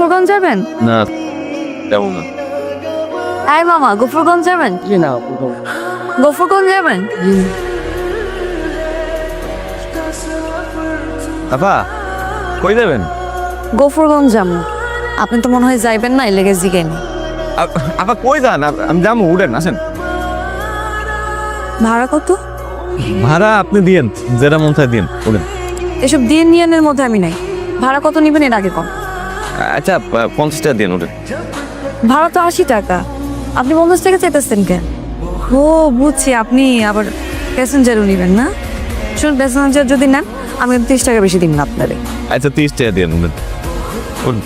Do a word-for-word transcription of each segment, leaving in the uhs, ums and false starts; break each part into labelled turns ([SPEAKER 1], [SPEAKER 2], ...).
[SPEAKER 1] গফরগঞ্জ যাবেন?
[SPEAKER 2] না তেমন না।
[SPEAKER 1] আই মামা গফরগঞ্জ যাবেন?
[SPEAKER 3] জি না
[SPEAKER 1] গফরগঞ্জ যাবেন?
[SPEAKER 2] আপা কই যাবেন?
[SPEAKER 1] গফরগঞ্জ যাবো। আপনি তো মনে হয় যাইবেন না, এলেগে জিগেনি।
[SPEAKER 2] আপ- আপা কই যান? আপ- আমি যাবো, উঠেন আসেন।
[SPEAKER 1] ভাড়া কত?
[SPEAKER 2] ভাড়া আপনি দিয়েন, যেটা মন চায় দিন, উঠেন।
[SPEAKER 1] এসব দিয়ে নিয়নের মধ্যে আমি নাই। ভাড়া কত নিবেন এর আগে কম।
[SPEAKER 2] আচ্ছা প- পঞ্চাশ টাকা দিন, উঠেন।
[SPEAKER 1] ভাড়া তো আশি টাকা, আপনি পঞ্চাশ টাকা চাইতেছেন কেন? ও বুঝছি, আপনি আবার প্যাসেঞ্জারও নিবেন না। শুনুন, প্যাসেঞ্জার যদি নেন আমি তিরিশ টাকা বেশি দিন না আপনারে।
[SPEAKER 2] আচ্ছা তিরিশ টাকা দিন, উঠেন। উঠুন।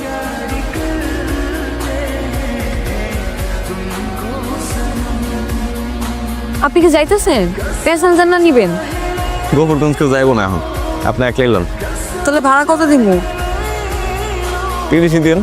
[SPEAKER 1] আপনি কি যাইতেছেন? প্যাসেঞ্জার না নিবেন?
[SPEAKER 2] গোবরগঞ্জকে যাইবো না এখন, আপনি একলাই লন।
[SPEAKER 1] তাহলে ভাড়া কত দিব?
[SPEAKER 2] তিরিশই দিন।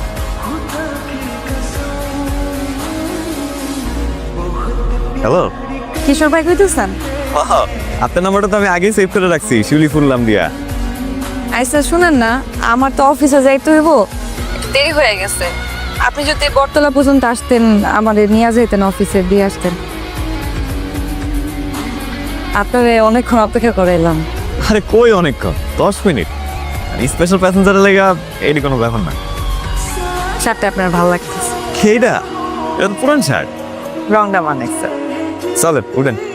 [SPEAKER 2] হ্যালো,
[SPEAKER 1] কিশোর ভাই কইতেছেন?
[SPEAKER 2] আপনার নাম্বারটা তো আমি আগেই সেভ করে রাখছি, শিউলি ফুল নাম দিয়া।
[SPEAKER 1] আচ্ছা শুনেন না, আমার তো অফিসে যাইতে হইব, দেরি হয়ে গেছে। আপনি যদি বটতলা পর্যন্ত আসতেন, আমাদের নিয়ে যেতেন, অফিসে দিয়ে আসতেন। আপনারে অনেকক্ষণ অপেক্ষা করে এলাম।
[SPEAKER 2] আরে কই অনেকক্ষণ, দশ মিনিট। স্পেশাল প্যাসেঞ্জারের লেগা এটি কোনো ব্যাপার না।
[SPEAKER 1] শার্টটা আপনার ভালো লাগতেছে।
[SPEAKER 2] খেয়েটা এটা তো পুরান শার্ট।
[SPEAKER 1] রংটা মানেছে।
[SPEAKER 2] চলেন উঠেন।